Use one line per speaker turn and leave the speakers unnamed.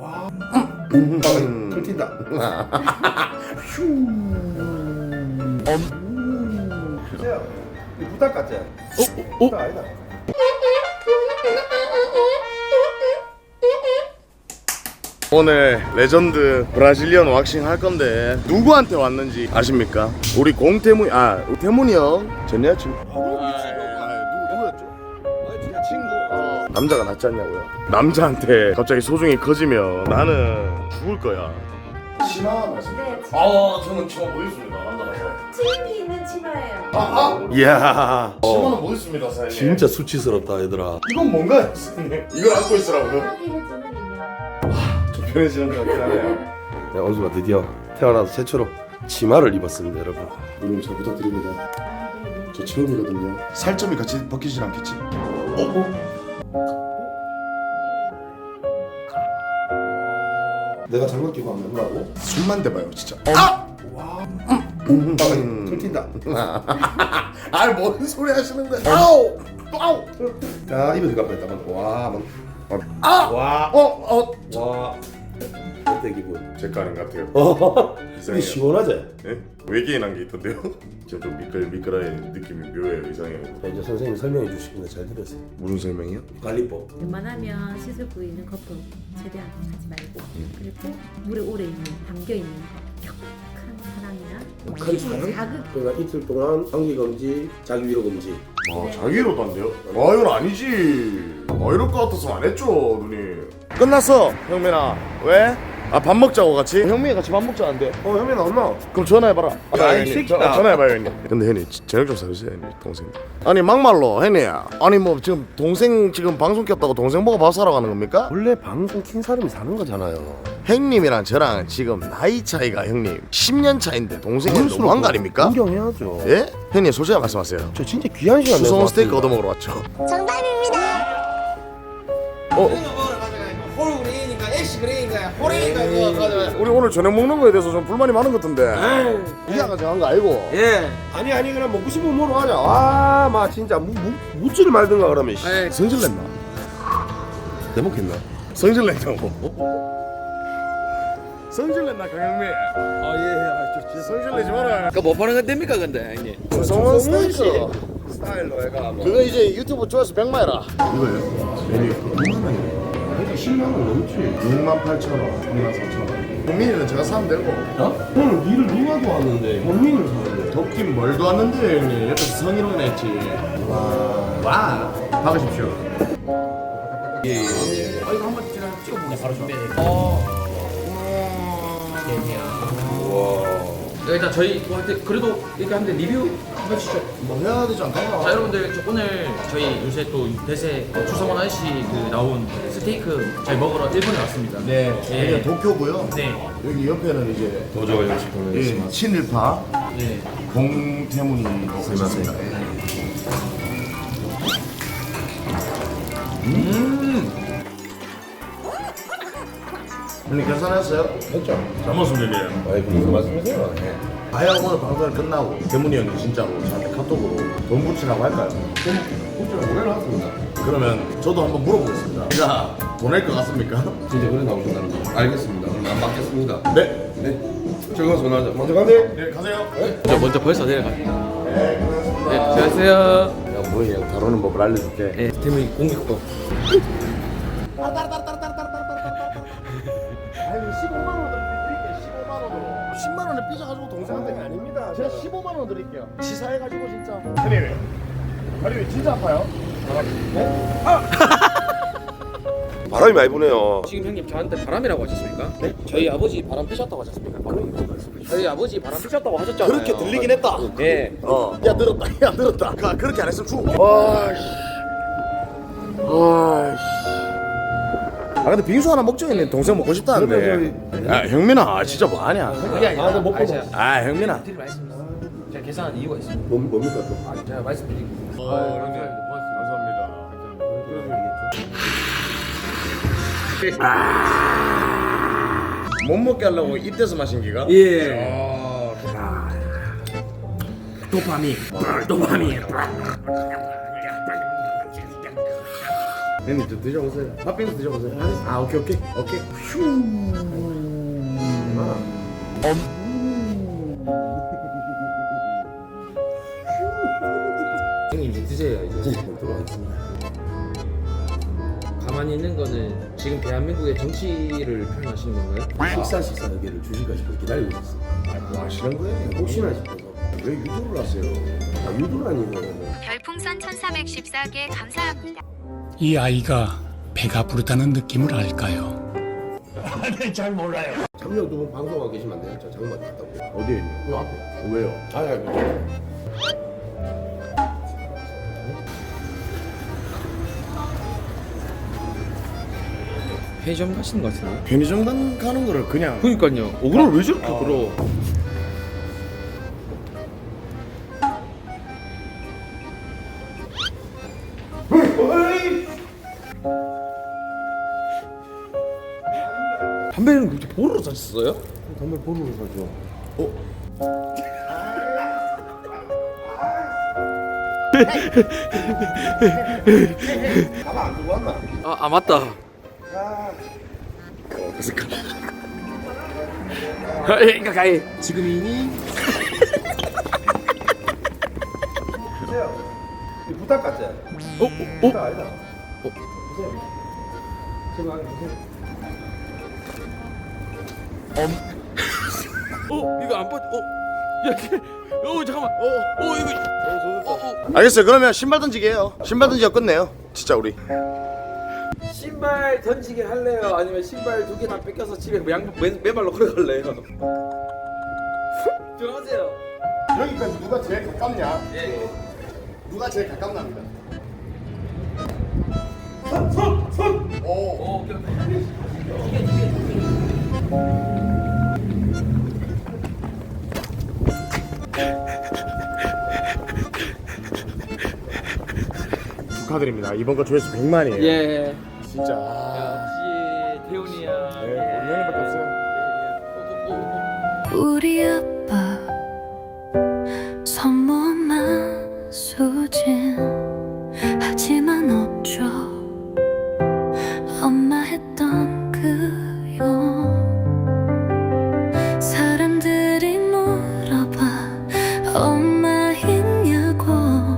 튀긴다. 주세요. 이 부탁 같지? 부탁 아니다.
오늘 레전드 브라질리언 왁싱 할 건데 누구한테 왔는지 아십니까? 우리 공태문 태문이 형 전 여자친구. 누구였죠? 친구. 남자가 낫지 않냐고요? 남자한테 갑자기 소중히 커지면 나는 죽을 거야. 치마 말씀.
네,
저는 치마 못 입습니다. 남자라서.
트임이 있는 치마예요.
이야. 치마는 못 입습니다, 사장님.
진짜 수치스럽다 얘들아.
이건 뭔가요, 사장님? 이걸 안고 있으라고요?
편하게 해주는 인형.
좀 편해지는 것 같긴 하네요.
네, 원수가 드디어 태어나서 최초로 치마를 입었습니다, 여러분.
누님 잘 부탁드립니다. 저 처음이거든요. 살점이 같이 벗기질 않겠지?
내가 잘못 끼고 하면 뭐라고?
숨만 대봐요, 진짜.
튀긴다.
뭔 소리 하시는 거야? 아우! 아우!
자, 입에 들어갈 뻔했다. 와,
와!
와. 어때 기분?
제 거 아닌 것 같아요.
근데
이상해요.
시원하지?
네? 외계인 한 게 있던데요? 지금 좀 미끌미끌한 느낌이 묘해요, 이상해요.
자, 이제 선생님이 설명해 주시길래 잘 들었어요.
무슨 설명이요?
관리법.
웬만하면 씻을 부위는 거품 최대한 하지 말고 그리고 물에 오래 있는 담겨 있는 격한 사랑이나
큰 사랑?
자극
그러니까 이틀 동안 환기 금지, 자기 위로 금지.
자기로도 안 돼요? 이건 아니지. 이럴 것 같아서 안 했죠, 누님. 끝났어, 형민아. 왜? 밥 먹자고 같이? 형민이 같이 밥 먹자는데.
현민아 엄마.
그럼 전화해봐라.
야, 이
형님,
새끼다.
전화해봐요, 형님. 근데 형님 저녁 좀 사주세요, 형님. 동생. 아니 막말로 형님. 아니 뭐 지금 동생 지금 방송 켰다고 동생 보고 밥 사러 가는 겁니까?
원래 방송 킨 사람이 사는 거잖아요.
형님이랑 저랑 지금 나이 차이가 형님 10년 차인데 동생이 너무한 거 아닙니까?
존경해야죠.
예? 형님 솔직히 말씀하세요.
저 진짜 귀한 시간 내고
수성 스테이크
왔습니다.
얻어먹으러 왔죠.
호루 그레이니까 애쉬 그레이니까 호레이니까 그거 가져와요.
우리 오늘 저녁 먹는 거에 대해서 좀 불만이 많은 것 같은데. 이해가 정한 거 알고.
예.
아니 그냥 먹고 싶으면 뭐로 하자. 마 진짜 묻지를 말든가 그러면. 씨.
예.
성질 냈나?
대목했나?
성질 냈냐고. 성질 냈나 강영민? 성질 내지 마라.
그거 뭐 파는 건 됩니까 근데 형님?
수성원 스테이크.
스타일로 해가 뭐.
그거 이제 유튜브 조회수 100만 해라.
이거예요? 메뉴 6만 원이요. 10만 원 넘지.
68,000원, 34,000원. 국민이는 제가 사면 되고.
어? 형 니를 누가 도왔는데 현민을 사는데.
덥긴 뭘 도왔는데 형님. 옆에서 성희롱 했지. 와. 박으십시오.
이거 한번 제가 찍어보겠습니다. 바로 준비해드릴게요. 일단 저희 뭐 할때 그래도 이렇게 하는데 리뷰 한번 해주시죠.
뭐 해야 되지 않나?
자 여러분들 오늘 저희 요새 또 대세 추성원 아저씨 그 나온 스테이크 저희 먹으러 일본에 왔습니다.
네.
예.
여기가 도쿄고요.
네.
여기 옆에는 이제
도저히 음식
예, 친일파
네.
공태문이 있습니다. 형님 계산했어요?
했죠?
잘 먹습니다.
아이 무슨 말씀이세요?
아야 오늘 방송 끝나고 대문이 형이 진짜로 저한테 카톡으로 돈 붙이라고 할까요?
혹시 오해를 하십니다.
그러면 저도 한번 물어보겠습니다. 제가 보낼 것 같습니까?
진짜 그래 나오신다는 거. 알겠습니다. 그럼 안 받겠습니다.
네.
네. 즐거운 전화하자. 먼저 가네.
네 가세요.
먼저 벌써 내려갈게요. 네, 안녕하세요.
야 뭐야 형 다루는 법을 알려줄게.
네, 대문이 공격법.
아니 15만 원 드릴게요. 15만 원으로. 10만 원에 삐져가지고 동생한테
아닙니다.
제가 15만 원 드릴게요. 치사해가지고 진짜. 형님 다리 왜 진짜 아파요?
바람이 많이 부네요.
지금 형님 저한테 바람이라고 하셨습니까? 네? 저희 아버지 바람 피셨다고 하셨습니까? 저희 아버지 바람 피셨다고 하셨잖아요.
그렇게 들리긴 했다.
예.
야 늘었다. 야 늘었다. 그렇게 안 했으면 죽어. 아 근데 빙수 하나 먹죠 형님. 동생 먹고 싶다는데. 야 형민아 진짜 뭐하냐.
그게 아니라
나 먹고
아 형민아.
드릴 말씀입니다. 제가 계산한 이유가 있습니다.
뭡니까 또?
제가 말씀드리고.
감사합니다. 못 먹게 하려고 이때서 마신 기가?
예. 도파민. 도파민.
형님 좀 드셔보세요. 팥빙수 드셔보세요. 아 오케이. 휴.
형님 이제 드세요 이제.
들어가겠습니다.
가만히 있는 거는 지금 대한민국의 정치를 표현하시는 건가요?
식사 여기를 주실까 싶어 기다리고 있었어.
뭐 하시는 거예요?
혹시나 싶어서. 왜 유도를 하세요? 아, 유도를 아니고.
별풍선 1414개 감사합니다.
이 아이가 배가 부르다는 느낌을 알까요?
잠룡 두분 방송하고 계시면 안 돼요? 저 장마 갔다고.
어디에 있냐?
요 앞에.
왜요?
아니.
편의점 가시는 것 같은데?
편의점 가는 거를 그냥
그니까요. 오그를 왜 저렇게 끌어? 담배는 그렇게 보러 사셨어요?
담배 보루로 사죠. 가방 안 두고 왔나?
아 맞다. 그러니까 가이.
지금이니? 보세요. 이 부탁 같지? 부탁 아니다. 보세요. 제발 보세요.
이거 안 빠져. 잠깐만. 이거.
알겠어요. 그러면 신발 던지기 해요. 신발 던지기가 끝내요. 진짜 우리.
신발 던지기 할래요? 아니면 신발 2개 다 뺏겨서 집에 맨발로 걸어갈래요? 들어가세요.
여기까지 누가 제일 가깝냐?
예.
누가 제일 가깝납니다. 오. 축하드립니다. 이번 거 조회수 100만이에요.
예.
진짜.
역시 태훈이야.
네, 우리 형님밖에 없어요.
우리 아빠 선물만 수진 하지만 없죠. 엄마 했던